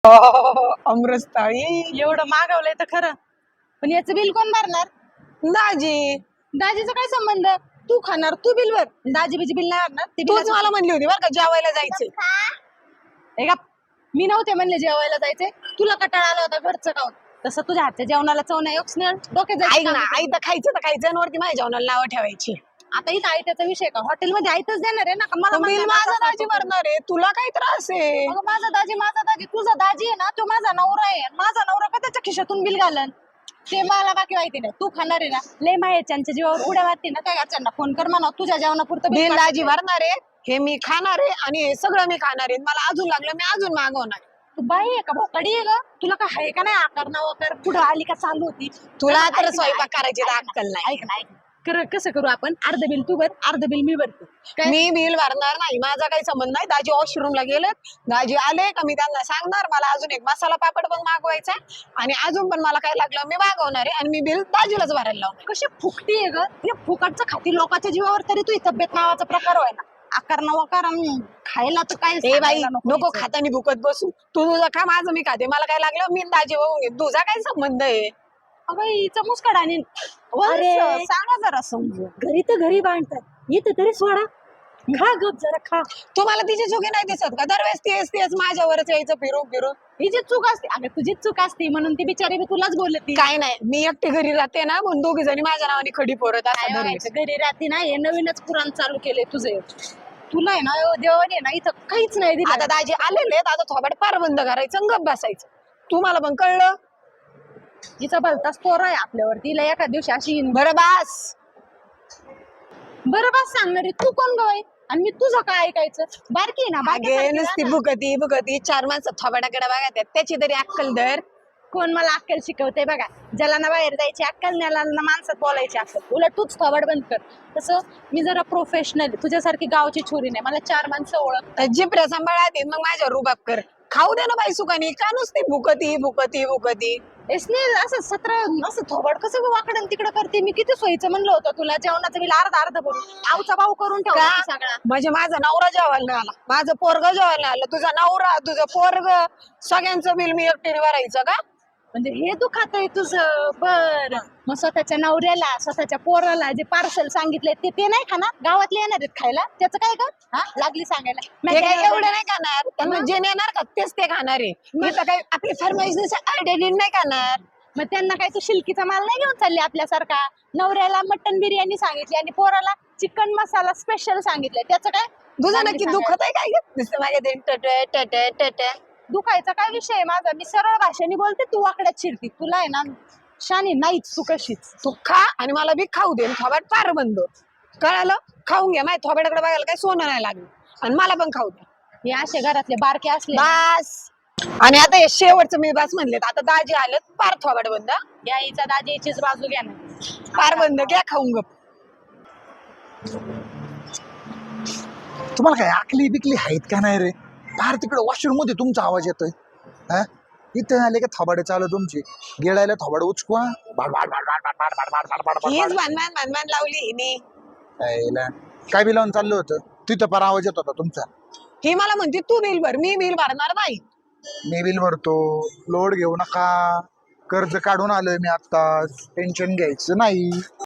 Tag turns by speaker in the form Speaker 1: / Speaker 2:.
Speaker 1: अमृतस्थळी
Speaker 2: एवढं मागवलंय तर खरं, पण याचं बिल कोण भरणार?
Speaker 1: दाजी.
Speaker 2: दाजीचा काय संबंध? तू खाणार, तू बिल भर. दाजी बिजी बिल नाही भरणार. ते
Speaker 1: तूच
Speaker 2: बिलाचं-
Speaker 1: मला म्हणली होती बरं का जेवायला जायचंय.
Speaker 2: हे का, मी नव्हते म्हणले जेवायला जायचे. तुला कटाळा आला होता घरचं खाऊन. तसं तुझ्या हातच्या जेवणाला चव नाही स्नेहल. डोक्यात
Speaker 1: ऐक
Speaker 2: जायचं
Speaker 1: ना,
Speaker 2: काम
Speaker 1: आई तर खायचं तर खायचं आणि वरती माझ्या जेवणाला नावं ठेवायची.
Speaker 2: आता इथं आयत्याचा विषय का? हॉटेलमध्ये आयतच देणार आहे ना का? मला
Speaker 1: बिल
Speaker 2: म्हणणार
Speaker 1: माझा
Speaker 2: आता
Speaker 1: दाजी भरणार आहे, तुला काय त्रास आहे?
Speaker 2: अगं माझा दाजी, तुझा दाजी आहे ना, तो माझा नवरा आहे. माझा नवरा का त्याच्या खिशातून बिल घालन? ते मला बाकी माहिती नाही. तू खाणार आहे ना, लय माहेरच्यांच्या जीवावर उड्या मारते ना, त्या घरच्यांना फोन कर म्हणा तुझ्या जेवणापुरतं
Speaker 1: बिल
Speaker 2: बिल
Speaker 1: दाजी भरणार आहे, हे मी खाणार आहे आणि हे सगळं मी खाणार आहे. मला अजून लागलं मी अजून मागवणार.
Speaker 2: तू बाई आहे का? भोकाडी आहे ग? तुला काय आहे का नाही आकार ना वकार? पुढं आली का चालू होती?
Speaker 1: तुला
Speaker 2: ऐक
Speaker 1: तर
Speaker 2: ना,
Speaker 1: स्वयंपाक
Speaker 2: ऐक
Speaker 1: करायची
Speaker 2: ना,
Speaker 1: अक्कल नाही.
Speaker 2: ऐक ना, ऐक ना. कसं करू आपण? अर्ध बिल तू भर, अर्ध बिल मी भरते. काय?
Speaker 1: मी बिल भरणार नाही, माझा काही संबंध नाही. दाजी वॉशरूमला गेलेत, दाजी आले का मी त्यांना सांगणार मला अजून एक मसाला पापड पण मागवायचा आहे आणि अजून पण मला काय लागलं मी मागवणार आहे आणि मी बिल दाजीलाच भरायला लावणार.
Speaker 2: कशी फुकटी आहे ग? हे फुकटचं खाती लोकांच्या जीवावर, तरी तू तब्येत नावाचा प्रकार होय ना. आकार ना वकार खायला तर काय
Speaker 1: ए बाई
Speaker 2: सांगायला
Speaker 1: नको
Speaker 2: हिचं.
Speaker 1: खातानी भुकत बसू. तू तुझं खा, माझं मी खाते. मला काय लागलं मी दाजी बघून घे. तुझा काय संबंध आहे?
Speaker 2: अगं हिचं मुस्काड आणि
Speaker 1: अरे.
Speaker 2: सांगा जरा समजू. घरी तर घरी बांधतात, येतं तरी सोडा. खा गप जरा खा.
Speaker 1: तुम्हाला तिची चुकी नाही दिसत का? दरवेळेस तेच माझ्यावरच यायचं फिरून फिरून.
Speaker 2: हिची चूक असते. अगं तुझीच चूक असते म्हणून ती बिचारी बी तुलाच बोलती.
Speaker 1: काय नाही, मी एकटी घरी राहते ना म्हणून दोघी जणी माझ्या नावाने खडी पोरत
Speaker 2: काय
Speaker 1: असतात दरवेळेस.
Speaker 2: व्हायचं? घरी राहते ना, हे नवीनच पुराण चालू केलंय तुझे. तुला आहे ना देवाने ना इथं काहीच नाही दिलं.
Speaker 1: आता दाजी आलेले आहेत, आता थोबाड पार बंद करायचं आणि गप बसायचं. तुम्हाला पण कळलं?
Speaker 2: हिचा भलताच पोर आहे आपल्यावरती. हिला एका दिवशी अशी
Speaker 1: बरं बास.
Speaker 2: बरोबर सांगणार आहे. तू कोण गवाय आणि मी तुझं काय ऐकायचं? बारकी आहे ना,
Speaker 1: अगे
Speaker 2: बारक्यासारखी
Speaker 1: नुसती
Speaker 2: राहा ना.
Speaker 1: भुकती चार माणसं थोबाडाकडे बघा त्याची तरी अक्कल धर.
Speaker 2: कोण मला अक्कल शिकवते बघा? ज्याला ना बाहेर जायची अक्कल, ज्याला ना माणसात बोलायची अक्कल. उलट तूच थोबाड बंद कर. तसं मी जरा प्रोफेशनल, तुझ्यासारखी गावची छोरी नाही. मला चार माणसं ओळख.
Speaker 1: जिपऱ्या सांभाळात मग माझ्यावर रुबाब कर. खाऊ दे ना बाई सुखानी. का नुसती भुकती.
Speaker 2: स्नेहल असं असं थोबाड कसं वाकडन तिकडं करते? मी किती सोयीचं म्हणलं होतं तुला, जेवणाचं बिल अर्ध भरून आवचा भाऊ करून ठेवला
Speaker 1: का?
Speaker 2: तू सगळा.
Speaker 1: म्हणजे माझा नवरा जेवायला नाही आला, माझं पोरग जेवायला नाही आलं, तुझा नवरा तुझं पोरग सगळ्यांचं बिल मी एकटीने भरायचं का?
Speaker 2: म्हणजे हे तू खातय तुझं? बर. मग स्वतःच्या नवऱ्याला, स्वतःच्या पोराला जे पार्सल सांगितलंय ते नाही खाणार? गावातले येणार आहेत खायला, त्याचं काय का? हा लागली सांगायला.
Speaker 1: ते काय एवढं नाही खाणार, त्यांना जे नेणार का तेच ते खाणार आहे. मी तर काही आपली फरमाईश आयडिया नाही खाणार.
Speaker 2: मग त्यांना काय तू शिलकीचा माल नाही घेऊन चालली आपल्यासारखा? नवऱ्याला मटन बिर्याणी सांगितली आणि पोराला चिकन मसाला स्पेशल सांगितलंय, त्याचं काय?
Speaker 1: तुझं
Speaker 2: लागली
Speaker 1: नक्की
Speaker 2: सांगायला.
Speaker 1: दुखत आहे काय? नुसतं माझ्या टट.
Speaker 2: दुखायचा काय विषय आहे माझा? मी सरळ भाषेने बोलते, तू वाकड्यात शिरती. तुला आहे ना शानी नाहीच, तू कशीच.
Speaker 1: तू खा आणि मला बी खाऊ दे. थोबाड पार बंद. कळालं? खाऊन घ्या. माझ्या थोबाडाकडे बघायला काही सोनं नाही लागलं आणि मला पण खाऊ दे.
Speaker 2: हे असे घरातले बारके असले
Speaker 1: बास. आणि आता हे शेवटचं मी बस म्हणलेत. आता दाजी आलेत, पार थोबाड बंद.
Speaker 2: या हिचा दाजीचीच बाजू घ्या ना.
Speaker 1: पार बंद. घ्या खाऊन गप.
Speaker 3: तुम्हाला काय आकली बिकली आहेत का नाही रे? बाहेर तिकडे वॉशरूम मध्ये तुमचा आवाज येतोय. हा इथं आले का थोबाडे चालू तुमची? गेळायला थोबाड उचकवा.
Speaker 1: हीच भानभान लावली हिने.
Speaker 3: काय बी लावून चाललं होतं तिथं पर आवाज येत होता तुमचा.
Speaker 1: ही मला म्हणते तू बिल भर. मी बिल भरणार नाही.
Speaker 3: मी बिल भरतो, लोड घेऊ नका. कर्ज काढून आलोय मी आता, टेन्शन घ्यायचं नाही.